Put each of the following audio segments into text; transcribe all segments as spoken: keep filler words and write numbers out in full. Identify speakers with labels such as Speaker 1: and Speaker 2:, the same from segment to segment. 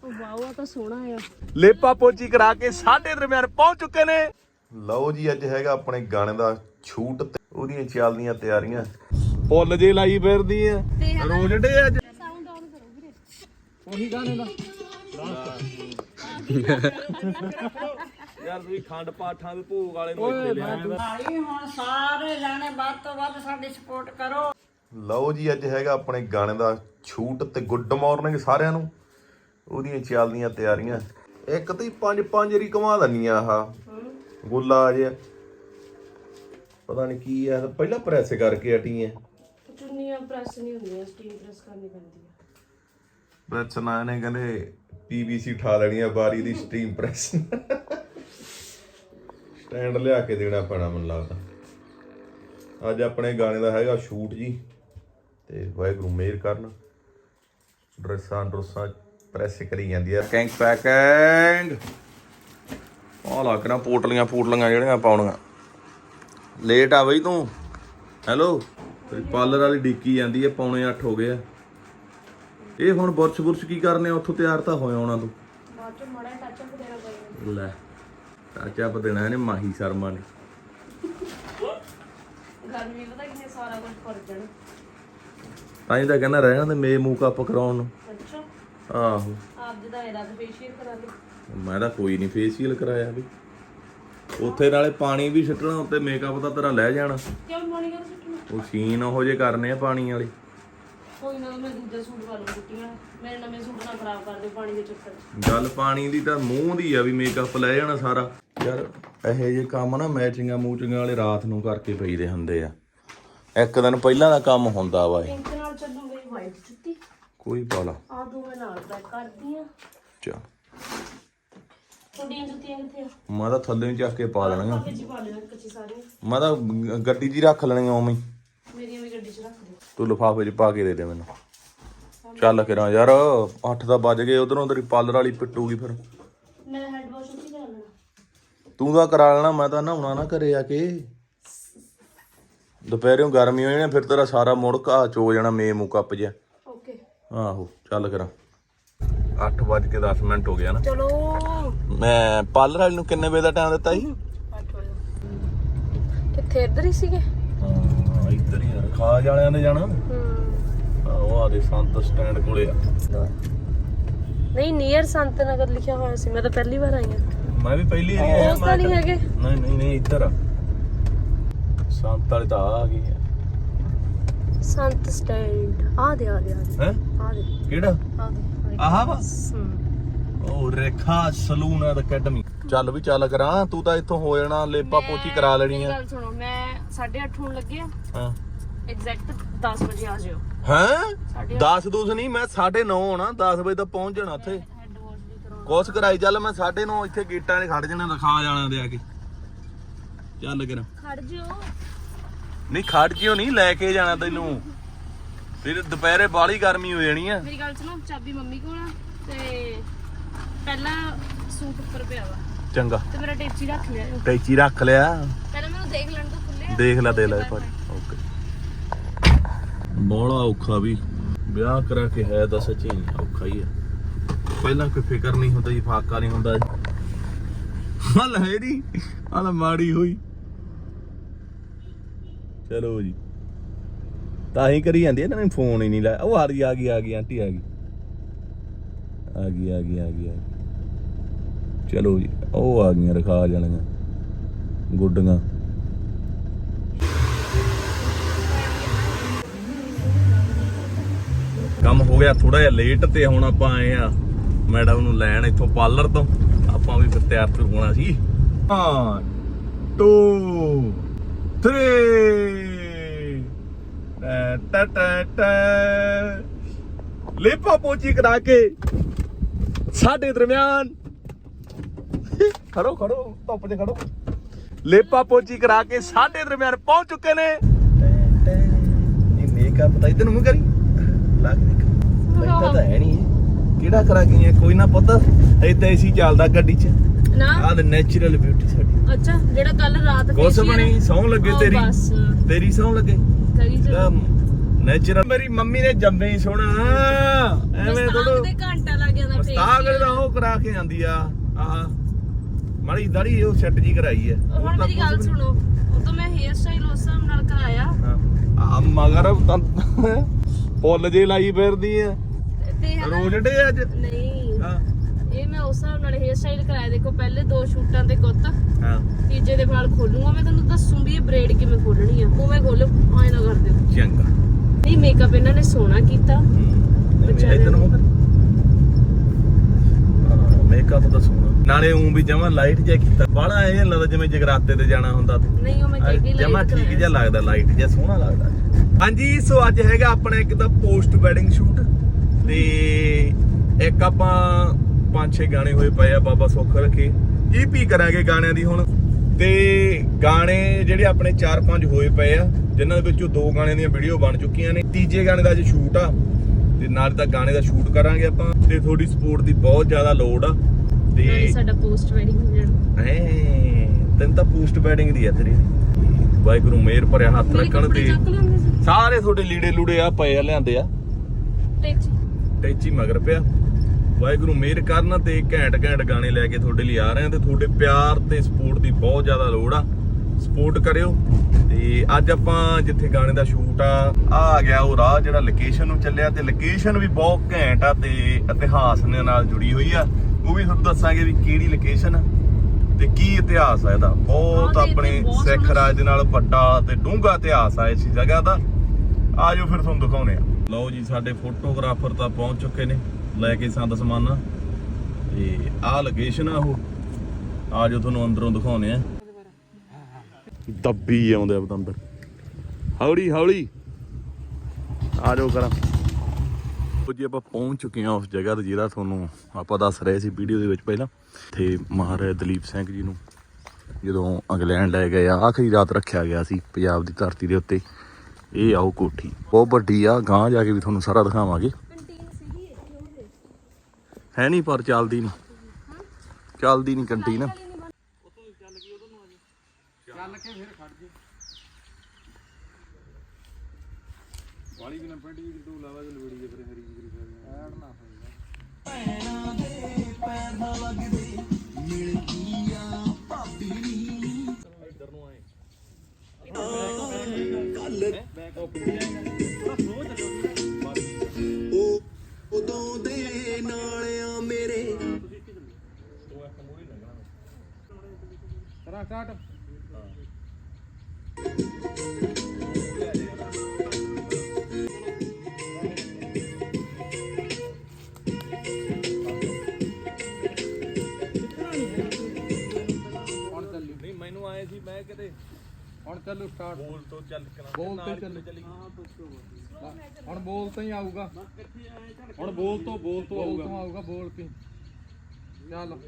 Speaker 1: Wow ਤਾਂ ਸੋਹਣਾ ਆ।
Speaker 2: ਲੇਪਾ ਪੋਚੀ ਕਰਾ ਕੇ ਸਾਡੇ ਦਰਮਿਆਨ ਪਹੁੰਚ ਚੁੱਕੇ ਨੇ। ਲਓ ਜੀ ਅੱਜ ਹੈਗਾ ਆਪਣੇ ਗਾਣੇ ਦਾ ਸ਼ੂਟ ਤੇ ਉਹਦੀਆਂ ਚੱਲਦੀਆਂ ਤਿਆਰੀਆਂ। ਫੁੱਲ ਜੇ ਲਾਈ ਫਿਰਦੀ ਆ ਰੋਜਡੇ ਅੱਜ।
Speaker 1: ਸਾਊਂਡ ਆਨ ਕਰੋ ਵੀਰੇ।
Speaker 2: ਉਹੀ ਗਾਣੇ ਦਾ ਯਾਰ ਤੁਸੀਂ ਖੰਡ ਪਾਠਾਂ ਦੇ ਭੋਗ ਵਾਲੇ ਨੂੰ ਇੱਥੇ ਲਿਆ।
Speaker 3: ਭਾਈ ਹੁਣ ਸਾਰੇ ਜਾਣੇ ਵੱਧ ਤੋਂ ਵੱਧ ਸਾਡੀ ਸਪੋਰਟ ਕਰੋ।
Speaker 2: ਲਓ ਜੀ ਅੱਜ ਹੈਗਾ ਆਪਣੇ ਗਾਣੇ ਦਾ ਸ਼ੂਟ ਤੇ ਗੁੱਡ ਮਾਰਨਿੰਗ ਸਾਰਿਆਂ ਨੂੰ। ਉਹਦੀਆਂ ਚੱਲਦੀਆਂ ਤਿਆਰੀਆਂ। ਇੱਕ ਤੇ ਪੰਜ ਪੰਜ ਰੀ ਘੁਮਾ ਦਨੀਆਂ ਆਹ ਗੁੱਲਾ ਜਿਹਾ ਪਤਾ ਨਹੀਂ ਕੀ ਆ। ਪਹਿਲਾਂ ਪ੍ਰੈਸ ਕਰਕੇ ਹਟੀ ਐ।
Speaker 1: ਚੁੰਨੀਆਂ ਪ੍ਰੈਸ ਨਹੀਂ ਹੁੰਦੀਆਂ, ਸਟੀਮ ਪ੍ਰੈਸ ਕਰਨੀ ਪੈਂਦੀ ਹੈ।
Speaker 2: ਪ੍ਰੈਸ ਨਾ ਨੇ ਕਹਿੰਦੇ ਪੀਵੀਸੀ ਉਠਾ ਲੈਣੀ ਆ ਬਾਰੀ ਦੀ ਸਟੀਮ ਪ੍ਰੈਸ। ਸਟੈਂਡ ਲਿਆ ਕੇ ਦੇਣਾ ਪੈਣਾ ਮੈਨੂੰ ਲੱਗਦਾ। ਅੱਜ ਆਪਣੇ ਗਾਣੇ ਦਾ ਹੈਗਾ ਸ਼ੂਟ ਜੀ ਤੇ ਵਾਹਿਗੁਰੂ ਮਿਹਰ ਕਰਨ। ਡਰੈਸਾਂ ਡਰੋਸਾਂ ਪ੍ਰੈਸ ਕਰੀ ਜਾਂਦੀ ਆ। ਕੈਂਕ ਪੈਕਿੰਗ ਆ ਲੱਗਣਾ ਪੋਟਲੀਆਂ ਪੋਟਲੀਆਂ ਜਿਹੜੀਆਂ ਪਾਉਣੀਆਂ। ਲੇਟ ਆ ਬਈ ਤੂੰ। ਹੈਲੋ ਪਾਰਲਰ ਵਾਲੀ ਡੀਕੀ ਜਾਂਦੀ ਹੈ। ਪੌਣੇ ਅੱਠ ਹੋ ਗਏ ਆ। ਇਹ ਹੁਣ ਬੁਰਸ਼ ਬੁਰਸ਼ ਕੀ ਕਰਨੇ ਆ? ਉੱਥੋਂ ਤਿਆਰ ਤਾਂ ਹੋਇਆ ਉਹਨਾਂ ਤੋਂ
Speaker 1: ਬਾਅਦ ਚ ਮਾੜਾ ਟੱਚ ਅਪ ਦੇਣਾ ਪਏਗਾ।
Speaker 2: ਲੈ ਟੱਚ ਅਪ ਦੇਣਾ ਇਹਨੇ ਮਾਹੀ ਸ਼ਰਮਾ ਨੇ।
Speaker 1: ਗਰਮੀ ਪਤਾ ਕਿੰਨੇ ਸਾਰਾ ਕੁਝ ਕਰ ਜਾਣਾ।
Speaker 2: ਤਾਂ ਹੀ ਤਾਂ ਕਹਿੰਦਾ ਰਹਿਣਾ ਤੇ ਮੇ ਮੂਕ ਅਪ ਕਰਾਉਣ ਨੂੰ।
Speaker 1: ਅੱਛਾ
Speaker 2: ਆਹੋ
Speaker 1: ਆਪ ਜਿਹਦਾ ਇਹਦਾ ਫੇਸ਼ੀਅਲ ਕਰਾ ਦੇ।
Speaker 2: ਮੈਂ ਤਾਂ ਕੋਈ ਨਹੀਂ ਫੇਸ਼ੀਅਲ ਕਰਾਇਆ ਵੀ। ਉੱਥੇ ਨਾਲੇ ਪਾਣੀ ਵੀ ਛੱਟਣਾ ਉੱਤੇ ਮੇਕਅਪ ਤਾਂ ਤੇਰਾ ਲੈ ਜਾਣਾ।
Speaker 1: ਕਿਉਂ ਪਾਣੀ ਕਰ ਸੁੱਟਣਾ?
Speaker 2: ਉਹ ਸੀਨ ਉਹੋ ਜੇ ਕਰਨੇ ਆ ਪਾਣੀ ਵਾਲੇ।
Speaker 1: ਕੋਈ ਨਾ ਮੈਂ ਦੂਜਾ ਸੂਟ ਪਾ ਲਵਾਂ ਕੁੱਟੀਆਂ। ਮੇਰੇ ਨਵੇਂ ਸੂਟ ਨਾ ਖਰਾਬ ਕਰ ਦਿਓ ਪਾਣੀ ਦੇ ਚੱਕਰ ਚ।
Speaker 2: ਗੱਲ ਪਾਣੀ ਦੀ ਤਾਂ ਮੂੰਹ ਦੀ ਆ ਵੀ ਮੇਕਅਪ ਲੈ ਜਾਣਾ ਸਾਰਾ। ਯਾਰ ਇਹੋ ਜਿਹੇ ਕੰਮ ਨਾ ਮੈਚਿੰਗਾਂ ਮੂਚਿੰਗਾਂ ਵਾਲੇ ਰਾਤ ਨੂੰ ਕਰਕੇ ਪਈਦੇ ਹੁੰਦੇ ਆ। ਇੱਕ ਦਿਨ ਪਹਿਲਾਂ ਦਾ ਕੰਮ ਹੁੰਦਾ ਵਾ ਇਹ।
Speaker 1: ਪਿੰਕ ਨਾਲ ਚੱਲੂ ਮੇਰੀ ਵਾਈਟ ਜੁੱਤੀ।
Speaker 2: ਕੋਈ ਪਾ ਲਾ
Speaker 1: ਆ ਦੋ ਮੈਂ ਨਾਲ ਪੈਕ ਕਰਦੀ ਆ।
Speaker 2: ਚਾ
Speaker 1: ਤੁਹਾਡੀਆਂ ਜੁੱਤੀਆਂ ਕਿੱਥੇ ਆ?
Speaker 2: ਮੈਂ ਤਾਂ ਥੱਲੇ ਨੂੰ ਚੱਕ ਕੇ ਪਾ ਲੈਣੀਆਂ।
Speaker 1: ਵਿੱਚ ਪਾ ਲੈਣਾ ਕੱਚੀ ਸਾਰੀਆਂ।
Speaker 2: ਮੈਂ ਤਾਂ ਗ- ਗੱਡੀ 'ਚ ਹੀ ਰੱਖ ਲੈਣੀਆਂ ਉਵੇਂ ਹੀ।
Speaker 1: ਮੇਰੀਆਂ ਵੀ ਗੱਡੀ 'ਚ ਰੱਖ ਦਿਓ।
Speaker 2: ਤੂੰ ਲਿਫਾਫੇ 'ਚ ਪਾ ਕੇ ਦੇ ਦੇ ਮੈਨੂੰ। ਚੱਲ ਕਰਾਂ ਯਾਰ ਅੱਠ ਤਾਂ ਵੱਜ ਗਏ। ਉਧਰੋਂ ਤੇਰੀ ਪਾਰਲਰ ਵਾਲੀ ਪਿੱਟੂਗੀ ਫਿਰ।
Speaker 1: ਮੈਂ ਹੈਡ ਵਾਸ਼ ਉੱਥੇ ਕਰਾ ਲੈਣਾ।
Speaker 2: ਤੂੰ ਤਾਂ ਕਰਾ ਲੈਣਾ। ਮੈਂ ਤਾਂ ਨਹਾਉਣਾ ਨਾ ਘਰੇ ਆ ਕੇ। ਦੁਪਹਿਰੋਂ ਗਰਮੀ ਹੋ ਜਾਣੀ ਫਿਰ ਤੇਰਾ ਸਾਰਾ ਮੁੜ ਘਾਹ ਚ ਹੋ ਜਾਣਾ ਮੇ ਮੂ ਕੱਪ ਜਿਹਾ।
Speaker 1: ਓਕੇ
Speaker 2: ਆਹੋ ਚੱਲ ਕਰਾਂ। ਅੱਠ ਵੱਜ ਕੇ ਦਸ ਮਿੰਟ ਹੋ ਗਿਆ ਨਾ।
Speaker 1: ਚਲੋ
Speaker 2: ਮੈਂ ਪਾਰਲਰ ਵਾਲੀ ਨੂੰ ਕਿੰਨੇ ਵਜੇ ਦਾ ਟਾਈਮ ਦਿੱਤਾ ਸੀ?
Speaker 1: ਅੱਠ ਵਜੇ। ਕਿੱਥੇ ਇੱਧਰ ਹੀ ਸੀਗੇ?
Speaker 2: ਹਾਂ ਇੱਧਰ ਹੀ ਯਾਰ ਖਾਜ ਵਾਲਿਆਂ ਨੇ ਜਾਣਾ।
Speaker 1: ਹੂੰ
Speaker 2: ਉਹ ਆਦੇ ਸੰਤ ਸਟੈਂਡ ਕੋਲੇ ਆ।
Speaker 1: ਨਹੀਂ ਨੀਅਰ ਸੰਤ ਨਗਰ ਲਿਖਿਆ ਹੋਇਆ ਸੀ। ਮੈਂ ਤਾਂ ਪਹਿਲੀ ਵਾਰ ਆਈ ਹਾਂ।
Speaker 2: ਮੈਂ ਵੀ ਪਹਿਲੀ ਵਾਰੀ ਆਇਆ।
Speaker 1: ਉਸ ਤਾਂ ਨਹੀਂ ਹੈਗੇ।
Speaker 2: ਨਹੀਂ ਨਹੀਂ ਨਹੀਂ ਇੱਧਰ ਆ। ਸੰਤ ਵਾਲੇ ਤਾਂ ਆ ਗਈ ਹੈ।
Speaker 1: ਸੰਤ ਸਟੈਂਡ ਆ ਦੇ ਆ ਦੇ ਆ ਦੇ
Speaker 2: ਹੈ
Speaker 1: ਆ ਦੇ
Speaker 2: ਕਿਹੜਾ?
Speaker 1: ਆ ਦੇ
Speaker 2: ਆਹ ਵਾ
Speaker 1: ਹੂੰ
Speaker 2: ਉਹ ਰੇਖਾ ਸਲੂਨ ਐਂਡ ਅਕੈਡਮੀ। ਚੱਲ ਵੀ ਚੱਲ ਕਰਾਂ। ਤੂੰ ਤਾਂ ਇੱਥੋਂ ਹੋ ਜਾਣਾ ਲੇਪਾ ਪੋਚੀ ਕਰਾ ਲੈਣੀ ਆ।
Speaker 1: ਗੱਲ ਸੁਣੋ ਮੈਂ ਸਾਢੇ ਅੱਠ ਹੋਣ ਲੱਗੇ ਆ।
Speaker 2: ਹਾਂ
Speaker 1: ਐਗਜ਼ੈਕਟ ਦਸ ਵਜੇ ਆ ਜਿਓ।
Speaker 2: ਹੈਂ ਦਸ ਦੂਸ ਨਹੀਂ ਮੈਂ ਸਾਢੇ ਨੌ ਹੋਣਾ। ਦਸ ਵਜੇ ਤੱਕ ਪਹੁੰਚ ਜਾਣਾ ਉੱਥੇ।
Speaker 1: ਹੈਡ ਵਾਸ਼ ਵੀ ਕਰਾਉਣਾ।
Speaker 2: ਕੋਸ ਕਰਾਈ ਚੱਲ। ਮੈਂ ਸਾਢੇ ਨੌ ਇੱਥੇ ਗੇਟਾਂ 'ਤੇ ਖੜ ਜਾਣਾ। ਰਖਾ ਜਾਣਾ ਦੇ ਆ ਕੇ। ਚੱਲ ਕਰਾਂ।
Speaker 1: ਖੜ ਜਿਓ।
Speaker 2: ਨਹੀਂ ਖੜ ਜਿਓ ਨਹੀਂ ਲੈ ਕੇ ਜਾਣਾ ਤੈਨੂੰ। ਫਿਰ ਦੁਪਹਿਰੇ ਬਾਹਲੀ ਗਰਮੀ ਹੋ ਜਾਣੀ ਆ।
Speaker 1: ਮੇਰੀ ਗੱਲ ਸੁਣੋ ਚਾਬੀ ਮੰਮੀ ਕੋਲ ਆ ਤੇ ਪਹਿਲਾਂ ਸੂਟ ਉੱਪਰ ਪਿਆ ਵਾ
Speaker 2: ਚੰਗਾ
Speaker 1: ਤੇ ਮੇਰਾ ਟੇਚੀ ਰੱਖ ਲਿਆ।
Speaker 2: ਟੈਚੀ ਰੱਖ ਲਿਆ।
Speaker 1: ਪਹਿਲਾਂ ਮੈਨੂੰ ਦੇਖ ਲੈਣ ਤੋਂ ਖੁੱਲੇ ਆ।
Speaker 2: ਦੇਖ ਲੈ ਦੇ ਲੈ ਭਾਜੀ। ਓਕੇ ਬੋਲਾ ਔਖਾ ਵੀ ਵਿਆਹ ਕਰਾ ਕੇ ਹੈ ਤਾਂ ਸੱਚੀ ਔਖਾ ਹੀ ਆ। ਪਹਿਲਾਂ ਕੋਈ ਫਿਕਰ ਨਹੀਂ ਹੁੰਦਾ ਜੀ। ਫਾਕਾ ਨਹੀਂ ਹੁੰਦਾ ਹਲ ਹੈ ਨਹੀਂ ਹਲ ਮਾੜੀ ਹੋਈ। ਚਲੋ ਜੀ ਤਾਂ ਹੀ ਕਰੀ ਜਾਂਦੀ ਇਹਨਾਂ ਨੇ ਫੋਨ ਹੀ ਨਹੀਂ ਲਾਇਆ। ਉਹ ਆ ਗਈ ਆ ਗਈ ਆ ਗਈ ਆਂਟੀ ਆ ਗਈ ਆ ਗਈ ਆ ਗਈ ਆ ਗਈ ਆ ਗਈ। ਚਲੋ ਜੀ ਉਹ ਆ ਗਈਆਂ ਰਖਾ ਜਾਣੀਆਂ ਗੁੱਡੀਆਂ। ਕੰਮ ਹੋ ਗਿਆ ਥੋੜਾ ਜਿਹਾ ਲੇਟ ਤੇ ਹੁਣ ਆਪਾਂ ਆਏ ਆ ਮੈਡਮ ਨੂੰ ਲੈਣ ਇੱਥੋਂ ਪਾਰਲਰ ਤੋਂ। ਆਪਾਂ ਵੀ ਫਿਰ ਤਿਆਰ ਤੁਰ ਹੋਣਾ ਸੀ। one two three ਟਾ ਟਾ ਟਾ ਲੇਪਾ ਪੋਚੀ ਕਰਾ ਕੇ ਸਾਡੇ ਦਰਮਿਆਨ ਖੜੋ ਖੜੋ ਧੁੱਪ 'ਚ ਖੜੋ। ਲੇਪਾ ਪੋਚੀ ਕਰਾ ਕੇ ਸਾਡੇ ਦਰਮਿਆਨ ਪਹੁੰਚ ਚੁੱਕੇ ਨੇ। ਇਹ ਮੇਕਅਪ ਤਾਂ ਇਧਰ ਨੂੰ ਕਰੀ ਲੱਗ ਦੇਖ ਲੱਗਦਾ ਤਾਂ ਹੈ ਨਹੀਂ। ਕਿਹੜਾ ਕਰਾ ਗਈ ਕੋਈ ਨਾ ਪਤਾ। ਏਦਾਂ ਏਸੀ ਚੱਲਦਾ ਗੱਡੀ 'ਚ
Speaker 1: ਨਾ।
Speaker 2: ਆਹ ਨੈਚੁਰਲ ਬਿਊਟੀ ਸਾਡੀ।
Speaker 1: ਅੱਛਾ ਜਿਹੜਾ ਕੱਲ ਰਾਤ
Speaker 2: ਕੁਛ ਬਣੀ ਸੌਂ ਲੱਗੇ ਤੇਰੀ
Speaker 1: ਬਸ
Speaker 2: ਤੇਰੀ ਸੌਂ ਲੱਗੇ
Speaker 1: ਕਰੀ ਚਲੋ।
Speaker 2: ਨੈਚੁਰਲ ਮੇਰੀ ਮੰਮੀ ਨੇ ਜੰਮੇ ਹੀ ਸੋਹਣਾ ਐਵੇਂ ਥੋੜਾ
Speaker 1: ਤੇ ਘੰਟਾ ਲੱਗ ਜਾਂਦਾ
Speaker 2: ਮਸਤਾਕ ਕਰਾ ਕੇ ਜਾਂਦੀ ਆ ਆਹ ਮਾੜੀ ਦਾੜੀ ਉਹ ਸੈੱਟ ਜੀ ਕਰਾਈ ਆ
Speaker 1: ਹੁਣ ਮੇਰੀ ਗੱਲ ਸੁਣੋ, ਉਹ ਤਾਂ ਮੈਂ ਹੇਅਰ ਸਟਾਈਲ ਉਸ ਹਿਸਾਬ ਨਾਲ ਕਰਾਇਆ
Speaker 2: ਆ ਮਗਰ ਤਾਂ ਫੁੱਲ ਜੇ ਲਾਈ ਫਿਰਦੀ ਆ
Speaker 1: ਤੇ ਹਨਾ-
Speaker 2: ਰੋਜਡੇ ਅੱਜ
Speaker 1: ਨਹੀਂ
Speaker 2: ਹਾਂ
Speaker 1: ਇਹ ਮੈਂ ਉਸ ਹਿਸਾਬ ਨਾਲ ਹੇਅਰ ਸਟਾਈਲ ਕਰਾਇਆ। ਦੇਖੋ ਪਹਿਲੇ ਦੋ ਸ਼ੂਟਾਂ ਤੇ ਗੁੱਤ,
Speaker 2: ਹਾਂ
Speaker 1: ਤੀਜੇ ਦੇ ਵਾਲ ਖੋਲੂਗਾ ਮੈਂ, ਤੁਹਾਨੂੰ ਦੱਸੂ ਵੀ ਇਹ ਬ੍ਰੇਡ ਕਿਵੇਂ ਖੋਲਣੀ ਆ। ਉਵੇਂ ਖੋਲੋ, ਆਏ ਨਾ ਕਰ ਦਿਓ।
Speaker 2: ਚੰਗਾ
Speaker 1: ਨਹੀਂ ਮੇਕਅਪ ਇਹਨਾਂ ਨੇ ਸੋਹਣਾ ਕੀਤਾ।
Speaker 2: ਮੇਕਅਪ ਤਾਂ ਸੋਹਣਾ, ਨਾਲੇ ਉਂ ਵੀ ਜਮਾ ਲਾਈਟ ਜਿਹਾ ਕੀਤਾ, ਬਾਹਲਾ ਐ ਲੱਗਦਾ ਜਿਵੇਂ ਜਗਰਾਤੇ ਤੇ ਜਾਣਾ ਹੁੰਦਾ ਤੇ
Speaker 1: ਨਹੀਂ ਉਹ ਮੈਂ ਕਹਿ ਗਈ
Speaker 2: ਜਮਾ ਠੀਕ ਜਿਹਾ ਲੱਗਦਾ, ਲਾਈਟ ਜਿਹਾ ਸੋਹਣਾ ਲੱਗਦਾ। ਹਾਂਜੀ ਸੋ ਅੱਜ ਹੈਗਾ ਆਪਣਾ ਇੱਕ ਤਾਂ ਪੋਸਟ ਵੈਡਿੰਗ ਸ਼ੂਟ ਤੇ ਇੱਕ ਆਪਾਂ ਪੰਜ ਛੇ ਗਾਣੇ ਹੋਏ ਪਏ ਆ, ਬਾਬਾ ਸੁੱਖ ਰੱਖੇ ਈਪੀ ਕਰਾਂਗੇ ਗਾਣਿਆਂ ਦੀ ਹੁਣ। ਤੇ ਗਾਣੇ ਜਿਹੜੇ ਆਪਣੇ ਚਾਰ ਪੰਜ ਹੋਏ ਪਏ ਆ, ਜਿਨ੍ਹਾਂ ਦੇ ਵਿੱਚੋਂ ਦੋ ਗਾਣਿਆਂ ਦੀਆਂ ਵੀਡੀਓ ਬਣ ਚੁੱਕੀਆਂ ਨੇ, ਤੀਜੇ ਗਾਣੇ ਦਾ ਅੱਜ ਸ਼ੂਟ ਆ ਤੇ ਨਾਲ ਤਾਂ ਗਾਣੇ ਦਾ ਸ਼ੂਟ ਕਰਾਂਗੇ ਆਪਾਂ। ਤੇ ਤੁਹਾਡੀ ਸਪੋਰਟ ਦੀ ਬਹੁਤ ਜ਼ਿਆਦਾ ਲੋੜ ਆ ਤੇ
Speaker 1: ਸਾਡਾ ਪੋਸਟ ਵੈਡਿੰਗ ਹੋ ਜਾਣਾ।
Speaker 2: ਐ ਤੈਨੂੰ ਤਾਂ ਪੋਸਟ ਵੈਡਿੰਗ ਦੀ ਆ ਤੇਰੀ। ਵਾਹਿਗੁਰੂ ਮਿਹਰ ਭਰਿਆ ਹੱਥ ਰੱਖਣ ਤੇ ਸਾਰੇ ਤੁਹਾਡੇ ਲੀੜੇ ਲੂੜੇ ਆ ਪਏ ਆ, ਲਿਆਂਦੇ ਆ
Speaker 1: ਟੇਚੀ
Speaker 2: ਟੈਚੀ ਮਗਰ ਪਿਆ। ਵਾਹਿਗੁਰੂ ਮਿਹਰ ਕਰਨ ਤੇ ਘੈਂਟ ਘੈਂਟ ਗਾਣੇ ਲੈ ਕੇ ਤੁਹਾਡੇ ਲਈ ਆ ਰਹੇ ਆ ਤੇ ਤੁਹਾਡੇ ਪਿਆਰ ਤੇ ਸਪੋਰਟ ਦੀ ਬਹੁਤ ਜ਼ਿਆਦਾ ਲੋੜ ਆ, ਸਪੋਰਟ ਕਰਿਓ। ਤੇ ਅੱਜ ਆਪਾਂ ਜਿੱਥੇ ਗਾਣੇ ਦਾ ਸ਼ੂਟ ਆ ਆ ਗਿਆ ਉਹ ਰਾਹ ਜਿਹੜਾ ਲੋਕੇਸ਼ਨ ਨੂੰ ਚੱਲਿਆ, ਤੇ ਲੋਕੇਸ਼ਨ ਵੀ ਬਹੁਤ ਘੈਂਟ ਆ ਤੇ ਇਤਿਹਾਸ ਦੇ ਨਾਲ ਜੁੜੀ ਹੋਈ ਆ। ਉਹ ਵੀ ਤੁਹਾਨੂੰ ਦੱਸਾਂਗੇ ਵੀ ਕਿਹੜੀ ਲੋਕੇਸ਼ਨ ਤੇ ਕੀ ਇਤਿਹਾਸ ਆ ਇਹਦਾ। ਬਹੁਤ ਆਪਣੇ ਸਿੱਖ ਰਾਜ ਦੇ ਨਾਲ ਵੱਡਾ ਤੇ ਡੂੰਘਾ ਇਤਿਹਾਸ ਆ ਇਸ ਜਗ੍ਹਾ ਦਾ। ਆਜੋ ਫਿਰ ਤੁਹਾਨੂੰ ਦਿਖਾਉਣੇ ਆ। ਲਓ ਜੀ ਸਾਡੇ ਫੋਟੋਗ੍ਰਾਫਰ ਤਾਂ ਪਹੁੰਚ ਚੁੱਕੇ ਨੇ ਲੈ ਕੇ ਸੰਦ ਸਮਾਨਾ, ਤੇ ਆਹ ਲੋਕੇਸ਼ਨ ਆ ਉਹ। ਆਜੋ ਤੁਹਾਨੂੰ ਅੰਦਰੋਂ ਦਿਖਾਉਣੇ ਆ। ਦੱਬੀ ਆਉਂਦੇ ਆ ਬਤੰਦਰ, ਹੌਲੀ ਹੌਲੀ ਆਜੋ ਕਰਾਂ। ਜੀ ਆਪਾਂ ਪਹੁੰਚ ਚੁੱਕੇ ਹਾਂ ਉਸ ਜਗ੍ਹਾ ਤੇ ਜਿਹੜਾ ਤੁਹਾਨੂੰ ਆਪਾਂ ਦੱਸ ਰਹੇ ਸੀ ਵੀਡੀਓ ਦੇ ਵਿੱਚ ਪਹਿਲਾਂ। ਤੇ ਮਹਾਰਾਜਾ ਦਲੀਪ ਸਿੰਘ ਜੀ ਨੂੰ ਜਦੋਂ ਇੰਗਲੈਂਡ ਲੈ ਗਏ ਆ, ਆਖਰੀ ਰਾਤ ਰੱਖਿਆ ਗਿਆ ਸੀ ਪੰਜਾਬ ਦੀ ਧਰਤੀ ਦੇ ਉੱਤੇ। ਇਹ ਆਓ ਕੋਠੀ ਬਹੁਤ ਵੱਡੀ ਆ, ਗਾਂਹ ਜਾ ਕੇ ਵੀ ਤੁਹਾਨੂੰ ਸਾਰਾ ਦਿਖਾਵਾਂਗੇ। ਹੈ ਨਹੀਂ ਪਰ ਚੱਲਦੀ ਨਹੀਂ, ਚੱਲਦੀ ਨਹੀਂ ਕੰਟੀਨ। ਚੱਲ ਕੇ ਫਿਰ ਖੜ ਜੇ ਵਾਲੀ ਵੀ ਨਾ ਪਿੰਡ ਜੀ ਕਿਦੋਂ ਲਾਵਾ ਤੇ ਲਵੜੀ ਜੇ ਫਿਰ ਹਰੀ ਜੀ ਐਡ ਨਾ ਹੋਏਗਾ। ਪੈਣਾ ਦੇ ਪੈਸਾ ਲੱਗਦੇ ਮਿਲ ਗਈਆਂ ਭਾਬੀ ਨੀ ਇੱਧਰ ਨੂੰ ਆਏ ਕੱਲ ਬੈਕ ਆਪ ਥੋੜਾ ਸਲੋ ਚੱਲੋ। ਉਹ ਉਦੋਂ ਦੇ ਨਾਲਿਆਂ ਮੇਰੇ ਉਹ ਇੱਕ ਮੂਹਰੇ ਲੱਗਣਾ ਕਰਾ ਸਟਾਰਟ। ਮੈਨੂੰ ਆਏ ਸੀ ਮੈਂ ਕਿਤੇ
Speaker 4: ਹੁਣ ਚੱਲੂ ਸਟਾਰਟ।
Speaker 2: ਬੋਲ ਤੋਂ ਚੱਲ
Speaker 4: ਬੋਲ ਤੇ ਚੱਲ
Speaker 2: ਚੱਲੀ।
Speaker 4: ਹੁਣ ਬੋਲ ਤੋਂ ਹੀ ਆਊਗਾ,
Speaker 2: ਹੁਣ ਬੋਲ ਤੋਂ ਬੋਲ ਤੋਂ
Speaker 4: ਬੋਲ
Speaker 2: ਆਊਗਾ
Speaker 4: ਤੋਂ ਆਊਗਾ ਬੋਲ ਕੇ ਚੱਲ।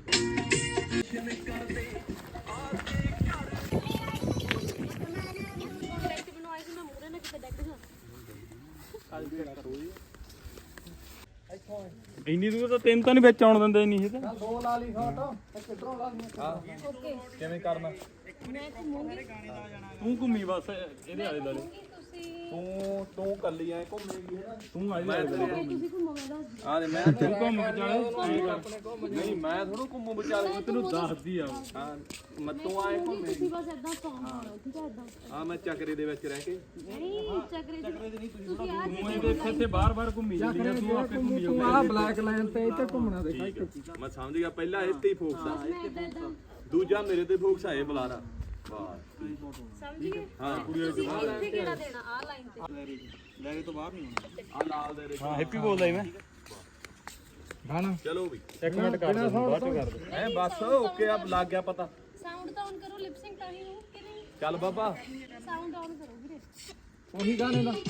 Speaker 2: ਇੰਨੀ ਦੂਰ ਤਾਂ ਤਿੰਨ ਤਾਂ ਨਹੀਂ ਵਿੱਚ ਆਉਣ ਦਿੰਦੇ ਨਹੀਂ ਇਹ ਤਾਂ।
Speaker 4: ਦੋ ਲਾ ਲਈ ਸ਼ਾਟ, ਇੱਕ ਇਧਰੋਂ ਲਾ ਲਈ।
Speaker 2: ਕਿਵੇਂ ਕਰਨਾ?
Speaker 1: ਮੈਂ ਘੁੰਮੂੰਗੀ,
Speaker 2: ਤੂੰ ਘੁੰਮੀ ਬਸ ਇਹਦੇ ਆਲੇ ਦੁਆਲੇ। ਤੂੰ ਤੂੰ ਕੱਲੀ ਐ ਘੁੰਮੇਗੀ ਹੈ ਨਾ, ਤੂੰ ਆਲੇ ਦੁਆਲੇ ਘੁੰਮੇਗੀ।
Speaker 1: ਤੁਸੀਂ ਘੁੰਮੋ ਮੈਂ ਦੱਸ
Speaker 2: ਆ ਦੇ ਮੈਂ ਤੂੰ ਘੁੰਮ ਵਿਚਾਲੇ ਨਹੀਂ ਮੈਂ ਥੋੜਾ ਘੁੰਮੂ ਵਿਚਾਲੇ, ਮੈਂ ਤੈਨੂੰ ਦੱਸਦੀ ਆ। ਹਾਂ ਮੈਂ ਤੂੰ ਆਏ ਘੁੰਮੇਗੀ।
Speaker 1: ਤੁਸੀਂ ਬਸ ਏਦਾਂ ਸੌਂ ਪਾਓ, ਠੀਕ ਹੈ ਏਦਾਂ।
Speaker 2: ਆ ਮੈਂ ਚੱਕਰੇ ਦੇ ਵਿੱਚ ਰਹਿ ਕੇ
Speaker 1: ਨਹੀਂ ਚੱਕਰੇ ਦੇ ਨਹੀਂ ਤੁਸੀਂ ਆ
Speaker 2: ਤੂੰ ਇਹਦੇ ਇੱਥੇ ਇੱਥੇ ਬਾਰ-ਬਾਰ ਘੁੰਮੀ ਜਾਂਦੀ ਆ, ਤੂੰ ਆਪੇ ਘੁੰਮੀ
Speaker 4: ਤੂੰ ਆਹ ਬਲੈਕ ਲਾਈਨ ਤੇ ਇੱਥੇ ਘੁੰਮਣਾ ਦੇਖ।
Speaker 2: ਮੈਂ ਸਮਝ ਗਿਆ, ਪਹਿਲਾਂ ਇੱਥੇ ਹੀ ਫੋਕਸ ਆ,
Speaker 1: ਮੈਂ ਏਦਾਂ ਏਦਾਂ
Speaker 2: ਦੂਜਾ ਮੇਰੇ ਤੇ ਫੋਕਸ ਆ ਇਹ ਬੁਲਾਰਾ। ਵਾਹ
Speaker 1: ਸਮਝ ਗਏ।
Speaker 2: ਹਾਂ ਕੁੜੀਆਂ
Speaker 1: ਤੁਸੀਂ ਇੱਥੇ ਕਿਹੜਾ ਦੇਣਾ ਆ ਲਾਈਨ ਤੇ।
Speaker 2: ਲੈ ਤੋਂ ਬਾਹਰ ਨਹੀਂ ਹੋਣਾ। ਆ ਲਾਲ ਦੇ
Speaker 5: ਹਾਂ ਹੈਪੀ ਬੋਲਦਾ ਹੀ ਮੈਂ
Speaker 4: ਗਾਣਾ
Speaker 2: ਚਲੋ ਵੀ
Speaker 5: ਇੱਕ ਮਿੰਟ ਕਰ ਦੇ ਬਾਅਦ ਚ ਕਰ ਦੇ।
Speaker 2: ਐ ਬਸ ਓਕੇ ਆ ਲੱਗ ਗਿਆ ਪਤਾ।
Speaker 1: ਸਾਊਂਡ ਤਾਂ ਔਨ ਕਰੋ, ਲਿਪਸਿੰਗ ਤਾਂ ਹੀ ਹੋ ਕਿ ਨਹੀਂ।
Speaker 2: ਚੱਲ ਬਾਬਾ
Speaker 1: ਸਾਊਂਡ ਔਨ ਕਰੋ ਵੀਰੇ।
Speaker 4: ਉਹੀ ਗਾਣੇ ਦਾ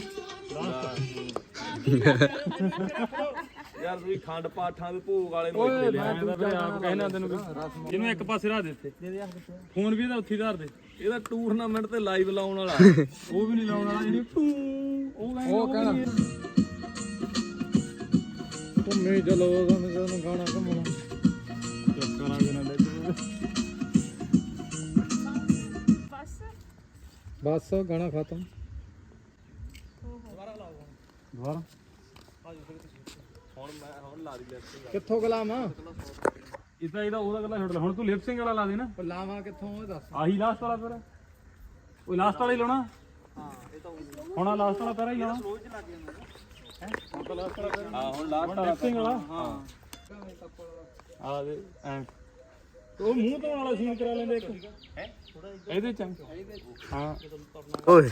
Speaker 2: ਯਾਰ ਤੁਸੀਂ ਖੰਡ ਪਾਠਾਂ ਦੇ ਭੋਗ ਵਾਲੇ ਨੂੰ ਇੱਥੇ ਲਿਆ।
Speaker 5: ਮੈਂ ਤਾਂ ਆਪ ਕਹਿਣਾ ਤੈਨੂੰ ਜਿਹਨੂੰ ਇੱਕ ਪਾਸੇ ਰੱਖ ਦਿੱਤੇ ਫੋਨ ਵੀ ਇਹਦਾ ਉੱਥੇ ਧਰ ਦੇ।
Speaker 2: ਇਹਦਾ ਟੂਰਨਾਮੈਂਟ ਤੇ ਲਾਈਵ ਲਾਉਣ ਵਾਲਾ
Speaker 5: ਉਹ ਵੀ ਨਹੀਂ ਲਾਉਣ ਵਾਲਾ, ਜਿਹੜੀ ਟੂ ਉਹ ਕਹਿੰਦਾ
Speaker 4: ਉਹ ਕਹਿਣਾ ਘੁੰਮੇ ਚਲੋ ਤੁਹਾਨੂੰ ਗਾਣਾ ਘੁੰਮਣਾ।
Speaker 5: ਕਰਾਂਗੇ ਨਾ ਲੈ
Speaker 1: ਬਸ
Speaker 4: ਬਸ ਗਾਣਾ ਖਤਮ।
Speaker 5: ਦੁਬਾਰਾ
Speaker 2: ਹੁਣ ਮੈਂ ਹੁਣ ਲਾ ਦੀ ਲੈਫਟ
Speaker 4: ਕਿੱਥੋਂ ਗਲਾਮ ਆ
Speaker 5: ਇਹ ਤਾਂ ਇਹਦਾ ਉਹਦਾ ਗੱਲਾਂ ਛੱਡ ਲੈ ਹੁਣ ਤੂੰ ਲਿਪਸਿੰਗ ਵਾਲਾ ਲਾ ਦੇ ਨਾ
Speaker 4: ਲਾਵਾਂ ਕਿੱਥੋਂ ਉਹ ਦੱਸ
Speaker 5: ਆਹੀ ਲਾਸਟ ਵਾਲਾ ਫਿਰ ਉਹ ਲਾਸਟ ਵਾਲਾ ਹੀ ਲਾਉਣਾ
Speaker 4: ਹਾਂ ਇਹ ਤਾਂ
Speaker 5: ਹੁਣ ਆ ਲਾਸਟ ਵਾਲਾ ਪੈਰਾ ਹੀ ਲਾਉਣਾ ਹੈ ਹੁਣ ਤਾਂ ਲਾਸਟ ਵਾਲਾ ਪੈਰਾ ਹਾਂ ਹੁਣ ਲਾਸਟ ਵਾਲਾ ਲਿਪਸਿੰਗ ਵਾਲਾ ਹਾਂ ਆ ਦੇ ਐ ਉਹ ਮੂੰਹ ਧੋਣ ਵਾਲਾ ਸੀਨ ਕਰਾ ਲੈਂਦੇ ਇੱਕ ਹੈ ਇਹਦੇ ਚ ਹਾਂ
Speaker 2: ਓਏ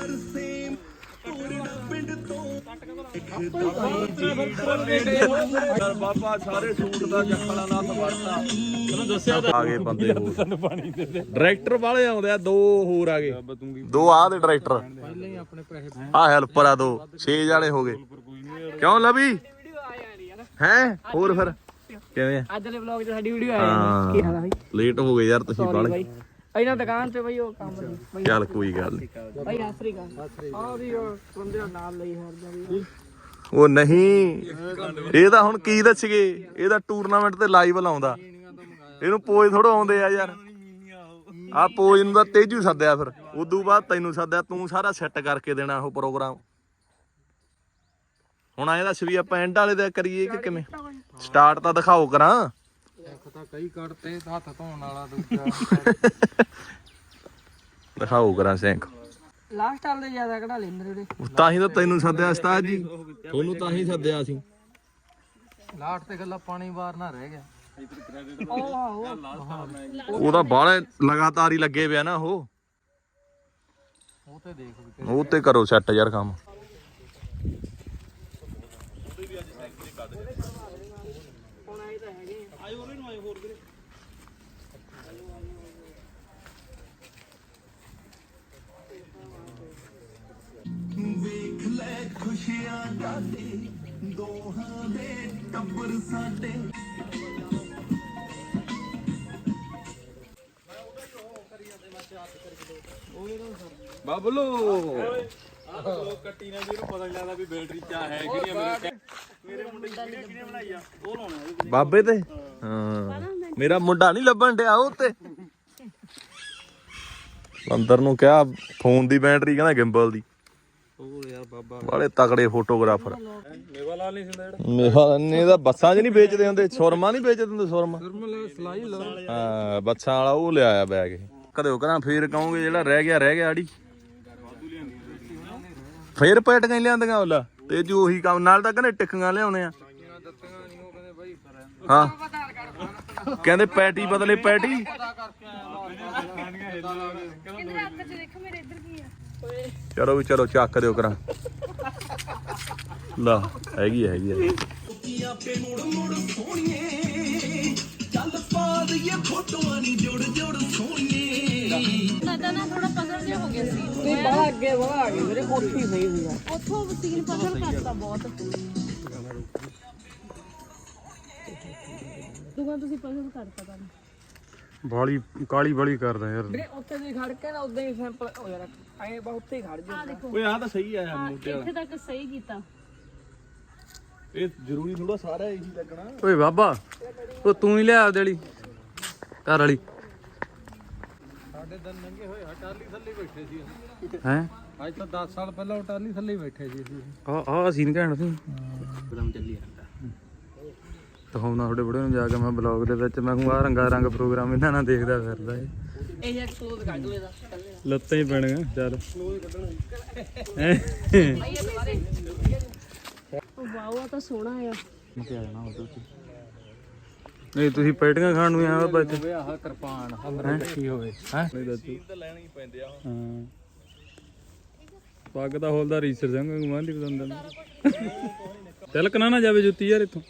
Speaker 2: ਬਾਬਾ ਸਾਰੇ ਸੂਟ ਦਾ ਜੱਖਣਾ ਨਾਲ ਵੜਤਾ
Speaker 5: ਤੈਨੂੰ ਦੱਸਿਆ ਤਾਂ
Speaker 2: ਆ ਗਏ ਬੰਦੇ ਹੋਰ
Speaker 5: ਤੈਨੂੰ ਪਾਣੀ ਦੇ ਦੇ
Speaker 2: ਡਾਇਰੈਕਟਰ ਵਾਲੇ ਆਉਂਦੇ ਆ ਦੋ ਹੋਰ ਆ ਗਏ
Speaker 5: ਤੂੰ ਕੀ
Speaker 2: ਦੋ ਆ ਦੇ ਡਾਇਰੈਕਟਰ
Speaker 4: ਪਹਿਲਾਂ ਹੀ ਆਪਣੇ ਪੈਸੇ
Speaker 2: ਆ ਹੈਲਪਰ ਆ ਦੋ ਛੇ ਜਾਣੇ ਹੋ ਗਏ ਕਿਉਂ ਲਵੀ ਹੈ ਹੋਰ ਫਿਰ ਕਿਵੇਂ ਆ
Speaker 3: ਅੱਜ ਦੇ ਵਲੌਗ 'ਚ ਸਾਡੀ ਵੀਡੀਓ
Speaker 2: ਹਾਂ
Speaker 3: ਕੀ ਹਾਲ ਆ ਬਾਈ
Speaker 2: ਲੇਟ ਹੋ ਗਏ ਯਾਰ ਤੁਸੀਂ ਬਾਲੇ
Speaker 3: ਇਹਨਾਂ ਦੁਕਾਨ ਤੇ ਬਈ ਉਹ ਕੰਮ ਦੀ ਬਈ
Speaker 2: ਚੱਲ ਕੋਈ ਗੱਲ ਨਹੀਂ
Speaker 3: ਬਈ ਆਸਰੀ ਗਾ ਆਹ ਵੀ ਉਹ ਬੰਦੇ ਦਾ ਨਾਮ ਲਈ ਹਰਦਾ ਵੀ
Speaker 2: ਉਹ ਨਹੀਂ ਇਹ ਤਾਂ ਹੁਣ ਕੀ ਦੱਸਗੇ ਇਹ ਤਾਂ ਟੂਰਨਾਮੈਂਟ ਤੇ ਲਾਈਵ ਲਾਉਂਦਾ ਇਹਨੂੰ ਪੋਜ ਥੋੜਾ ਆਉਂਦੇ ਆ ਯਾਰ ਆ ਪੋਜ ਨੂੰ ਤਾਂ ਤੇਜੂ ਸੱਦਿਆ ਫਿਰ ਉਦੋਂ ਬਾਅਦ ਤੈਨੂੰ ਸੱਦਿਆ ਤੂੰ ਸਾਰਾ ਸੈੱਟ ਕਰਕੇ ਦੇਣਾ ਉਹ ਪ੍ਰੋਗਰਾਮ ਹੁਣ ਐਂ ਦੱਸ ਵੀ ਆਪਾਂ ਐਂਡ ਵਾਲੇ ਦਾ ਕਰੀਏ ਕਿ ਕਿਵੇਂ ਸਟਾਰਟ ਤਾਂ ਦਿਖਾਓ ਕਰਾਂ
Speaker 4: ਇੱਕ ਤਾਂ ਕਈ ਕੱਢਤੇ ਹੱਥ ਧੋਣ ਵਾਲਾ ਦੂਜਾ
Speaker 2: ਦਿਖਾਓ ਕਰਾਂ ਸਿੰਕ
Speaker 3: ਲਾਸਟ ਵਾਲੇ ਜ਼ਿਆਦਾ ਕਢਾ ਲੈਂਦੇ ਜਿਹੜੇ
Speaker 2: ਤਾਂ ਹੀ ਤਾਂ ਤੈਨੂੰ ਸੱਦਿਆ ਉਸਤਾਦ ਜੀ ਤੁਹਾਨੂੰ ਤਾਂ ਹੀ ਸੱਦਿਆ ਸੀ
Speaker 4: ਲਾਟ ਤੇ ਗੱਲਾਂ ਪਾਣੀ ਬਾਹਰ ਨਾ ਰਹਿ ਗਿਆ
Speaker 3: ਉਹ ਆਹੋ
Speaker 2: ਉਹ ਤਾਂ ਬਾਹਲੇ ਲਗਾਤਾਰ ਹੀ ਲੱਗੇ ਪਿਆ ਨਾ ਉਹ
Speaker 4: ਉਹ ਤੇ ਦੇਖ ਵੀ
Speaker 2: ਉਹ ਤੇ ਕਰੋ ਸੈੱਟ ਯਾਰ ਕੰਮ
Speaker 3: ਹੁਣ ਆਏ ਤਾਂ ਹੈਗੇ ਆਏ ਹੋਰ ਨੂੰ ਆਏ ਹੋਰ ਵੀਰੇ
Speaker 6: ਵੇਖ ਲੈ ਖੁਸ਼ੀਆਂ ਜਾਦੇ ਦੋਹਾਂ ਦੇ ਟੱਬਰ ਸਾਡੇ
Speaker 5: ਬਾਬਲੋ ਕੱਟੀ ਨੇ ਵੀ ਇਹਨੂੰ ਪਤਾ ਨਹੀਂ ਲੱਗਦਾ ਵੀ ਬੈਟਰੀ ਚਾ ਹੈ ਕਿਹੜੀਆਂ ਮੇਰੇ ਮੇਰੇ ਮੁੰਡੇ ਦੀ ਵੀਡੀਓ ਕਿਹਨੇ ਬਣਾਈ ਆ ਉਹ ਲਾਉਣਾ
Speaker 2: ਬਾਬੇ ਤੇ ਹਾਂ ਮੇਰਾ ਮੁੰਡਾ ਨਹੀਂ ਲੱਭਣ ਡਿਆ ਉਹ ਤੇ ਅੰਦਰ ਨੂੰ ਕਿਹਾ ਫੋਨ ਦੀ ਬੈਟਰੀ ਕਹਿੰਦਾ ਗਿੰਬਲ ਦੀ
Speaker 4: ਉਹ ਯਾਰ ਬਾਬਾ
Speaker 2: ਬਾਲੇ ਤਕੜੇ ਫੋਟੋਗ੍ਰਾਫਰ
Speaker 5: ਮੇਵਾ ਲਾਲ ਨਹੀਂ ਸਿੰਦਾ ਜਿਹੜਾ
Speaker 2: ਮੇਵਾ ਨੇ ਤਾਂ ਬੱਸਾਂ 'ਚ ਨਹੀਂ ਵੇਚਦੇ ਹੁੰਦੇ ਸੁਰਮਾ ਨਹੀਂ ਵੇਚਦੇ ਹੁੰਦੇ ਸੁਰਮਾ
Speaker 4: ਨਰਮਲ ਸਲਾਈ ਲਾ
Speaker 2: ਹਾਂ ਬੱਸਾਂ ਵਾਲਾ ਉਹ ਲਿਆਇਆ ਬੈਗ ਇਹ ਕਦੇ ਕਰਾਂ ਫੇਰ ਕਹੋਗੇ ਜਿਹੜਾ ਰਹਿ ਗਿਆ ਰਹਿ ਗਿਆ ਆੜੀ ਫੇਰ ਪੈਟ ਕਹੀਂ ਲਿਆਂਦੀਆਂ ਉਹਲਾ ਤੇ ਜੋ ਉਹੀ ਕੰਮ ਨਾਲ ਤਾਂ ਕਹਿੰਦੇ ਟਿੱਕੀਆਂ ਲਿਆਉਣੇ ਆ ਹਾਂ ਕਹਿੰਦੇ ਪੈਟੀ ਬਦਲੇ ਪੈਟੀ ਚਲੋ ਵੀ ਚਲੋ ਚੱਕ ਦਿਓ ਕਰਾਂ ਲਾ ਹੈਗੀ ਹੈਗੀ ਹੈ
Speaker 6: ਆਪੇ ਮੁੜ ਮੁੜ ਸੋਹਣੀਏ ਚੱਲ ਪਾ ਦਈਏ ਫੋਟੋਆਂ ਨੀ ਜੋੜ ਜੋੜ ਸੋਹਣੀਏ
Speaker 1: ਸਾਡਾ ਨਾ ਥੋੜਾ ਪਜ਼ਲ ਜਿਹਾ ਹੋ ਗਿਆ ਸੀ
Speaker 3: ਨਹੀਂ ਬੜਾ ਅੱਗੇ ਬੜਾ ਆ ਗਏ ਮੇਰੇ ਕੋਠੀ ਪਈ ਹੋਈ ਆ
Speaker 1: ਉੱਥੋਂ ਸੀਨ ਪਜ਼ਲ ਕਰਤਾ ਬਹੁਤ ਦੁਕਾਨ ਤੁਸੀਂ ਪਜ਼ਲ ਕਰਤਾ ਤਾਂ
Speaker 5: ਬਾਲੀ ਕਾਲੀ ਬਾਲੀ ਕਰਦਾ ਯਾਰ
Speaker 3: ਵੀਰੇ ਉੱਥੇ ਦੀ ਖੜ ਕੇ ਨਾ ਉਦਾਂ ਹੀ ਸੈਂਪਲ ਹੋ ਯਾਰ ਐਂ ਬਾ ਉੱਥੇ ਹੀ ਖੜ ਜਾ
Speaker 1: ਆ ਦੇਖੋ
Speaker 2: ਓਏ ਆਹ ਤਾਂ ਸਹੀ ਆ
Speaker 1: ਹਾਂ ਇੱਥੇ ਤੱਕ ਸਹੀ ਕੀਤਾ
Speaker 2: ਇਹ ਜ਼ਰੂਰੀ ਥੋੜਾ ਸਾਰਾ ਇਹੀ ਲੱਗਣਾ
Speaker 5: ਓਏ ਬਾਬਾ ਉਹ ਤੂੰ ਹੀ ਲਿਆ ਆਪਦੇ ਵਾਲੀ ਘਰ ਵਾਲੀ
Speaker 4: ਸਾਡੇ ਦਿਨ ਲੰਘੇ ਹੋਏ ਹਟਾਲੀ ਥੱਲੇ ਬੈਠੇ ਸੀ ਅਸੀਂ
Speaker 5: ਹੈ
Speaker 4: ਅੱਜ ਤਾਂ ਦਸ ਸਾਲ ਪਹਿਲਾਂ ਹਟਾਲੀ ਥੱਲੇ ਬੈਠੇ ਸੀ ਅਸੀਂ
Speaker 5: ਆ ਆ ਸੀਨ ਕਹਿਣ ਤੂੰ ਇੱਕਦਮ ਚੱਲੀ ਜਾਂਦਾ ਦਿਖਾਉਣਾ ਤੁਹਾਡੇ ਬੜੇ ਨੂੰ ਜਾ ਕੇ ਮੈਂ ਬਲੌਗ ਦੇ ਵਿੱਚ ਮੈਂ ਕਹੂੰ ਆ ਰੰਗਾ ਰੰਗ ਪ੍ਰੋਗਰਾਮ ਇਹਨਾਂ ਨਾਲ ਦੇਖਦਾ ਫਿਰਦਾ ਏ
Speaker 3: ਇਹ ਇੱਕ ਕਲੋਜ਼ ਕੱਢ ਲੋ ਇਹਦਾ
Speaker 5: ਲੱਤਾਂ ਹੀ ਪੈਣੀਆਂ ਚੱਲ
Speaker 1: ਵਾਓ ਆ ਤਾਂ ਸੋਹਣਾ ਆ
Speaker 5: ਨਹੀਂ ਤੁਸੀਂ ਪੈਟੀਆਂ ਖਾਣ ਨੂੰ ਆਇਆ ਬੱਚ
Speaker 4: ਹੋਵੇ ਆਹ ਕਿਰਪਾਨ ਹਮਰੇ ਇਕੱਠੀ ਹੋਵੇ
Speaker 5: ਹੈ
Speaker 2: ਤਾਂ ਲੈਣੇ ਹੀ ਪੈਂਦੇ ਆ
Speaker 5: ਹਾਂ ਪੱਗ ਦਾ ਹੋਲਦਾ ਰੀਸਰ ਸਿੰਘ ਗੁਮਾਂਦੀ ਪਸੰਦ ਨਾ ਤਿਲਕ ਨਾ ਨਾ ਜਾਵੇ ਜੁੱਤੀ ਯਾਰ ਇੱਥੋਂ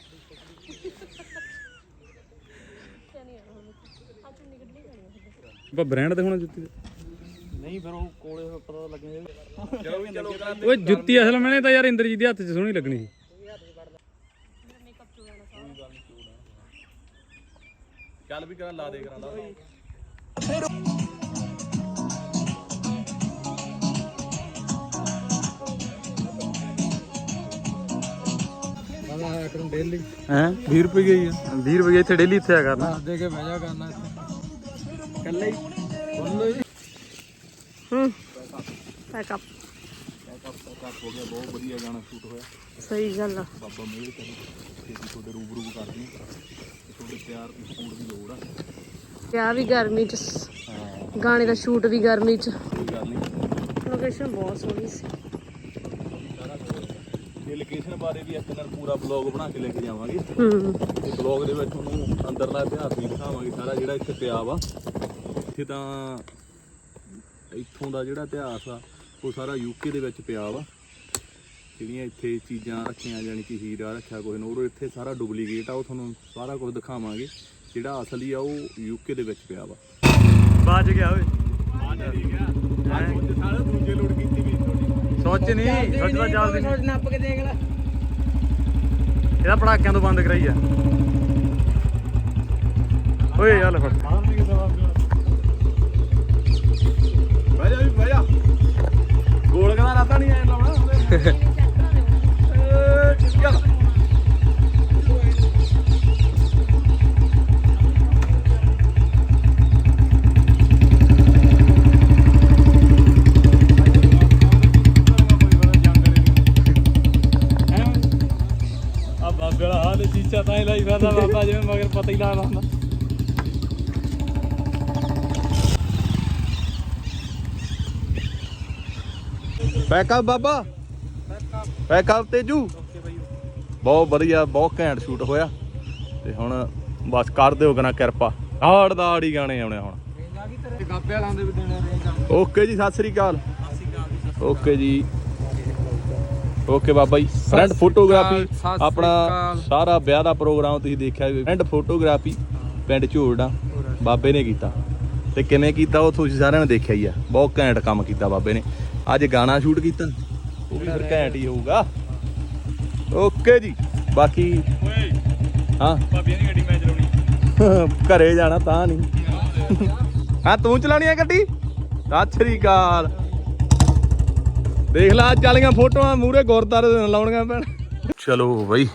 Speaker 5: ਆਪਾਂ ਬ੍ਰਾਂਡ ਤੇ ਹੋਣਾ ਜੁੱਤੀ ਦਾ
Speaker 4: ਨਹੀਂ ਫਿਰ ਉਹ ਕੋਲੇ ਪਤਾ ਲੱਗੇਗਾ
Speaker 5: ਓਏ ਜੁੱਤੀ ਅਸਲ ਮੈਨੇ ਤਾਂ ਯਾਰ ਇੰਦਰਜੀਤ ਦੇ ਹੱਥ 'ਚ ਸੋਹਣੀ ਲੱਗਣੀ ਸੀ
Speaker 2: ਚੱਲ ਵੀ ਕਰਾਂ ਲਾ ਦੇ ਕਰਾਂ ਲਾ
Speaker 4: ਆਇਆ ਕਰੂੰ ਡੇਲੀ
Speaker 5: ਹੈ ਵੀਹ ਰੁਪਏ ਗਈ ਆ ਵੀਹ ਰੁਪਏ ਇੱਥੇ ਡੇਲੀ ਇੱਥੇ ਆ ਕਰਨਾ
Speaker 4: ਦੇ ਕੇ ਬਹਿ ਜਾ ਕਰਨਾ ਇੱਥੇ
Speaker 3: ਕੱਲੇ ਹੀ ਹੂੰ ਪੈਕਅਪ
Speaker 2: ਹੋ ਗਿਆ ਬਹੁਤ ਵਧੀਆ ਗਾਣਾ ਸ਼ੂਟ ਹੋਇਆ
Speaker 3: ਸਹੀ ਗੱਲ ਆ
Speaker 2: ਬਾਬਾ ਮੇਰ ਕਰੇ ਛੇਤੀ ਤੁਹਾਡੇ ਰੂਬਰੂ ਕਰਦੀ ਤੁਹਾਡੇ
Speaker 5: ਤਿਆਰ ਹੋਣ ਦੀ ਲੋੜ ਆ।
Speaker 1: ਵਿਆਹ ਵੀ ਗਰਮੀ ਚ, ਗਾਣੇ ਦਾ ਸ਼ੂਟ ਵੀ ਗਰਮੀ ਚ।
Speaker 5: ਕੋਈ ਗੱਲ ਨਹੀਂ,
Speaker 1: ਲੋਕੇਸ਼ਨ ਬਹੁਤ ਸੋਹਣੀ ਸੀ।
Speaker 5: ਇਹ ਲੋਕੇਸ਼ਨ ਬਾਰੇ ਵੀ ਇੱਕ ਦਿਨ ਪੂਰਾ ਬਲੌਗ ਬਣਾ ਕੇ ਲੈ ਕੇ ਜਾਵਾਂਗੇ।
Speaker 1: ਹੂੰ
Speaker 5: ਤੇ ਬਲੌਗ ਦੇ ਵਿੱਚ ਤੁਹਾਨੂੰ ਅੰਦਰਲਾ ਇਤਿਹਾਸ ਵੀ ਦਿਖਾਵਾਂਗੇ ਸਾਰਾ ਜਿਹੜਾ ਇੱਥੇ ਪਿਆ ਵਾ। ਇੱਥੇ ਤਾਂ ਇੱਥੋਂ ਦਾ ਜਿਹੜਾ ਇਤਿਹਾਸ ਆ ਉਹ ਸਾਰਾ ਯੂਕੇ ਦੇ ਵਿੱਚ ਪਿਆ ਵਾ। ਜਿਹੜੀਆਂ ਇੱਥੇ ਚੀਜ਼ਾਂ ਰੱਖੀਆਂ, ਜਾਣੀ ਕਿ ਹੀਰਾ ਰੱਖਿਆ ਕੋਈ ਨੂਰ, ਇੱਥੇ ਸਾਰਾ ਡੁਪਲੀਕੇਟ ਆ। ਉਹ ਤੁਹਾਨੂੰ ਸਾਰਾ ਕੁਝ ਦਿਖਾਵਾਂਗੇ। ਜਿਹੜਾ ਅਸਲੀ ਆ ਉਹ ਯੂਕੇ ਦੇ ਵਿੱਚ ਪਿਆ ਵਾ।
Speaker 4: ਬਾਜ ਗਿਆ ਓਏ
Speaker 5: ਸਾਰਾ ਦੂਜੇ ਲੋਡ ਕੀਤੀ ਵੀ
Speaker 4: ਸੋਚ ਨਹੀਂ ਸੋਚ ਤਾਂ ਚੱਲਦੀ ਨਹੀਂ।
Speaker 3: ਸੋਚ ਨੱਪ ਕੇ ਦੇਖ ਲੈ।
Speaker 4: ਇਹਦਾ ਪੜਾਕਿਆਂ ਤੋਂ ਬੰਦ ਕਰਾਈ ਆ ਓਏ ਚੱਲ ਫੜ
Speaker 5: ਬਹਿ ਜਾ ਵੀ ਬਹਿ ਜਾ। ਗੋਲ ਕਦਾ ਰਾਤਾ ਨਹੀਂ ਆਇਆ ਲਾਉਣਾ ਚੱਲ।
Speaker 4: ਆ ਬਾਬੇ ਵਾਲਾ ਹਾਲ ਚੀਚਾ ਤਾਂ ਹੀ ਲਾਈ ਫਿਰਦਾ ਬਾਬਾ, ਜਿਵੇਂ ਮਗਰ ਪਤਾ ਹੀ ਲੱਗਦਾ ਹੁੰਦਾ।
Speaker 2: ਪੈਕਅਪ ਬਾਬਾ, ਪੈਕਅਪ ਤੇਜੂ। ਬਹੁਤ ਵਧੀਆ, ਬਹੁਤ ਘੈਂਟ ਸ਼ੂਟ ਹੋਇਆ। ਤੇ ਹੁਣ ਬਸ ਕਰ ਦਿਓ ਕਨਾ ਕਿਰਪਾ। ਹਾੜ ਦਾ ਆੜੀ ਗਾਣੇ ਆਉਣੇ ਹੁਣ।
Speaker 4: ਗਾਬੇ ਵਾਲਾਂ ਦੇ ਵੀ ਦੇਣੇ।
Speaker 2: ਓਕੇ ਜੀ, ਸਤਿ ਸ੍ਰੀ ਅਕਾਲ। ਓਕੇ ਜੀ, ਓਕੇ ਬਾਬਾ ਜੀ। ਫਰੈਂਡ ਫੋਟੋਗ੍ਰਾਫੀ ਆਪਣਾ ਸਾਰਾ ਵਿਆਹ ਦਾ ਪ੍ਰੋਗਰਾਮ ਤੁਸੀਂ ਦੇਖਿਆ। ਫਰੈਂਡ ਫੋਟੋਗ੍ਰਾਫੀ ਪਿੰਡ ਝੋੜਨਾ ਬਾਬੇ ਨੇ ਕੀਤਾ। ਤੇ ਕਿਵੇਂ ਕੀਤਾ ਉਹ ਤੁਸੀਂ ਸਾਰਿਆਂ ਨੇ ਦੇਖਿਆ ਹੀ ਆ। ਬਹੁਤ ਘੈਂਟ ਕੰਮ ਕੀਤਾ ਬਾਬੇ ਨੇ। ਅੱਜ ਗਾਣਾ ਸ਼ੂਟ ਕੀਤਾ, ਉਹ ਵੀ ਫਿਰ ਘੈਂਟ ਹੀ ਹੋਊਗਾ। ਓਕੇ ਜੀ। ਬਾਕੀ ਹਾਂ
Speaker 4: ਭਾਬੀਆਂ ਦੀ ਗੱਡੀ ਮੈਂ ਚਲਾਉਣੀ।
Speaker 2: ਘਰੇ ਜਾਣਾ ਤਾਂ ਨਹੀਂ। ਹਾਂ ਤੂੰ ਚਲਾਉਣੀ ਆ ਗੱਡੀ? ਸਤਿ ਸ੍ਰੀ ਅਕਾਲ। ਦੇਖ ਲਾ ਅੱਜ ਵਾਲੀਆਂ ਫੋਟੋਆਂ ਮੂਹਰੇ ਗੁਰਦਾਰੇ ਦੇ ਲਾਉਣੀਆਂ ਪੈਣ। ਚਲੋ ਬਈ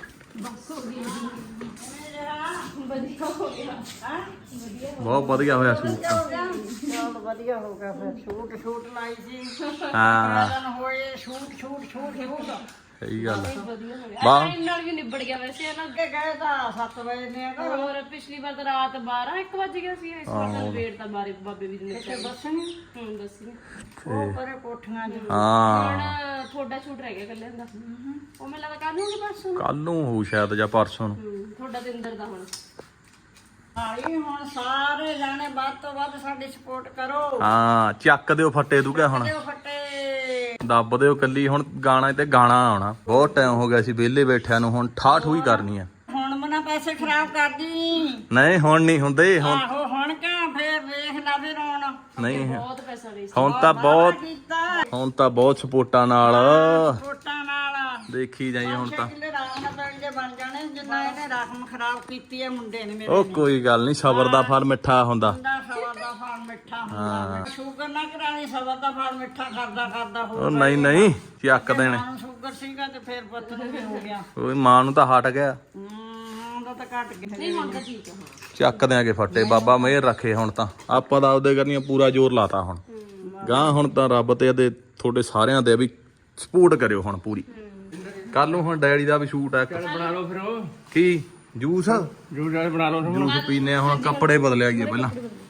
Speaker 2: ਬਹੁਤ ਵਧੀਆ ਹੋਇਆ ਸੂਟ ਤਾਂ।
Speaker 3: ਬਹੁਤ ਵਧੀਆ ਹੋ ਗਿਆ ਫਿਰ। ਸ਼ੂਟ ਸ਼ੂਟ ਲਾਈ ਸੀ।
Speaker 2: ਹਾਂ
Speaker 3: ਦਿਨ ਹੋਏ ਸ਼ੂਟ ਸ਼ੂਟ ਸ਼ੂਟ ਸ਼ੂਟ।
Speaker 2: ਸਹੀ ਗੱਲ ਆ।
Speaker 1: ਵਧੀਆ ਹੋ ਗਿਆ।
Speaker 2: ਵਾਹ।
Speaker 1: ਟਾਈਮ ਨਾਲ ਵੀ ਨਿਬੜ ਗਿਆ ਵੈਸੇ ਹੈ ਨਾ।
Speaker 3: ਅੱਗੇ ਗਏ ਤਾਂ ਸੱਤ ਵਜੇ ਨੇ ਘਰ।
Speaker 1: ਹੋਰ ਪਿਛਲੀ ਵਾਰ ਤਾਂ ਰਾਤ ਬਾਰਾਂ ਇੱਕ ਵੱਜ ਗਿਆ ਸੀ। ਇਸ ਵਾਰ ਤਾਂ ਵੇਟ ਤਾਂ ਬਾਰੇ ਬਾਬੇ ਵੀ ਨੇ
Speaker 3: ਤੇ ਦੱਸਣੀ
Speaker 1: ਹੁਣ ਦੱਸੀ
Speaker 3: ਉਹ ਪਰੇ ਕੋਠੀਆਂ ਚ।
Speaker 2: ਹਾਂ
Speaker 1: ਹੁਣ ਤੁਹਾਡਾ ਸ਼ੂਟ ਰਹਿ ਗਿਆ ਕੱਲੇ ਦਾ। ਉਹ ਮੈਨੂੰ ਲੱਗਦਾ ਕੱਲ ਨੂੰ ਕਿ ਪਰਸੋਂ ਨੂੰ।
Speaker 2: ਕੱਲ ਨੂੰ ਹੋਊ ਸ਼ਾਇਦ ਜਾਂ ਪਰਸੋਂ ਨੂੰ।
Speaker 1: ਹੂੰ, ਤੁਹਾਡਾ ਤੇ ਅੰਦਰ ਦਾ ਹੁਣ।
Speaker 3: ਹਾਈ ਹੁਣ ਸਾਰੇ ਜਾਣੇ ਵੱਧ ਤੋਂ ਵੱਧ ਸਾਡੀ ਸਪੋਰਟ ਕਰੋ।
Speaker 2: ਹਾਂ ਚੱਕ ਦਿਓ ਫੱਟੇ ਤੂੰ ਕਿਆ ਹੁਣ
Speaker 3: ਦਿਓ ਫੱਟੇ।
Speaker 2: ਦੱਬ ਦਿਓ ਕੱਲੀ। ਹੁਣ ਗਾਣਾ ਤੇ ਗਾਣਾ ਆਉਣਾ। ਬਹੁਤ ਟਾਈਮ ਹੋ ਗਿਆ ਸੀ ਵਿਹਲੇ ਬੈਠਿਆਂ ਨੂੰ। ਹੁਣ ਠਾਠ ਹੋਈ ਕਰਨੀ ਆ।
Speaker 3: ਹੁਣ ਮਨਾ ਪੈਸੇ ਖਰਾਬ ਕਰਦੀ।
Speaker 2: ਨਹੀਂ ਹੁਣ ਨਹੀਂ ਹੁੰਦੇ। ਹੁਣ
Speaker 3: ਆਹੋ ਹੁਣ ਕਿਉਂ ਫੇਰ ਵੇਖ ਲਾ ਵੀ ਰੋਣ।
Speaker 2: ਨਹੀਂ
Speaker 1: ਬਹੁਤ ਪੈਸਾ ਵੇਸਟ।
Speaker 2: ਹੁਣ ਤਾਂ ਬਹੁਤ
Speaker 3: ਕੀਤਾ
Speaker 2: ਹੁਣ ਤਾਂ ਬਹੁਤ ਸਪੋਰਟਾਂ ਨਾਲ
Speaker 3: ਵੋਟਾਂ ਨਾਲ
Speaker 2: ਦੇਖੀ ਜਾਈ ਹੁਣ ਤਾਂ।
Speaker 3: ਕਿੱਲੇ ਰਾਮ ਨਾਲ ਪਿੰਡ ਦੇ ਬਣ ਜਾਣੇ ਜਿੰਨਾ ਇਹਨੇ ਰਕਮ ਖਰਾਬ ਕੀਤੀ ਹੈ ਮੁੰਡੇ ਨੇ ਮੇਰੇ
Speaker 2: ਉਹ ਕੋਈ ਗੱਲ ਨਹੀਂ, ਸਬਰ ਦਾ ਫਲ ਮਿੱਠਾ ਹੁੰਦਾ।
Speaker 3: ਮੁੰਡਾ ਸਬਰ ਦਾ ਫਲ ਮਿੱਠਾ ਹੁੰਦਾ। ਸ਼ੂਗਰ ਨਾ ਕਰਾਣੀ, ਸਬਰ ਦਾ ਫਲ ਮਿੱਠਾ ਕਰਦਾ ਕਰਦਾ ਹੋ
Speaker 2: ਉਹ ਨਹੀਂ ਨਹੀਂ ਚੱਕ ਦੇਣੇ।
Speaker 3: ਮਾਂ ਨੂੰ ਸ਼ੂਗਰ ਸੀਗਾ ਤੇ ਫੇਰ ਪੁੱਤ ਨੂੰ ਵੀ ਹੋ ਗਿਆ।
Speaker 2: ਓਏ ਮਾਂ ਨੂੰ ਤਾਂ ਹਟ ਗਿਆ।
Speaker 3: ਹੂੰ ਉਹਦਾ ਤਾਂ ਘਟ ਗਿਆ।
Speaker 1: ਨਹੀਂ ਹੁਣ ਤਾਂ ਠੀਕ ਹੈ।
Speaker 2: ਚੱਕ ਦਿਆਂਗੇ ਫੱਟੇ। ਬਾਬਾ ਮਿਹਰ ਰੱਖੇ। ਹੁਣ ਤਾਂ ਆਪਾਂ ਤਾਂ ਆਪਦੇ ਕਰਨੀਆਂ ਪੂਰਾ ਜ਼ੋਰ ਲਾਤਾ। ਹੁਣ ਗਾਂ ਹੁਣ ਤਾਂ ਰੱਬ ਤੇ ਇਹਦੇ ਤੁਹਾਡੇ ਸਾਰਿਆਂ ਦੇ ਵੀ ਸਪੋਰਟ ਕਰਿਓ ਹੁਣ ਪੂਰੀ। ਕੱਲ ਨੂੰ ਹੁਣ ਡੈਡੀ ਦਾ ਵੀ ਸ਼ੂਟ ਆ।
Speaker 4: ਬਣਾ ਲਓ ਫਿਰ ਉਹ
Speaker 2: ਕੀ ਜੂਸ
Speaker 4: ਜੂਸ ਬਣਾ ਲਓ।
Speaker 2: ਜੂਸ ਪੀਨੇ ਆ ਹੁਣ। ਕੱਪੜੇ ਬਦਲਿਆ ਗਏ ਪਹਿਲਾਂ।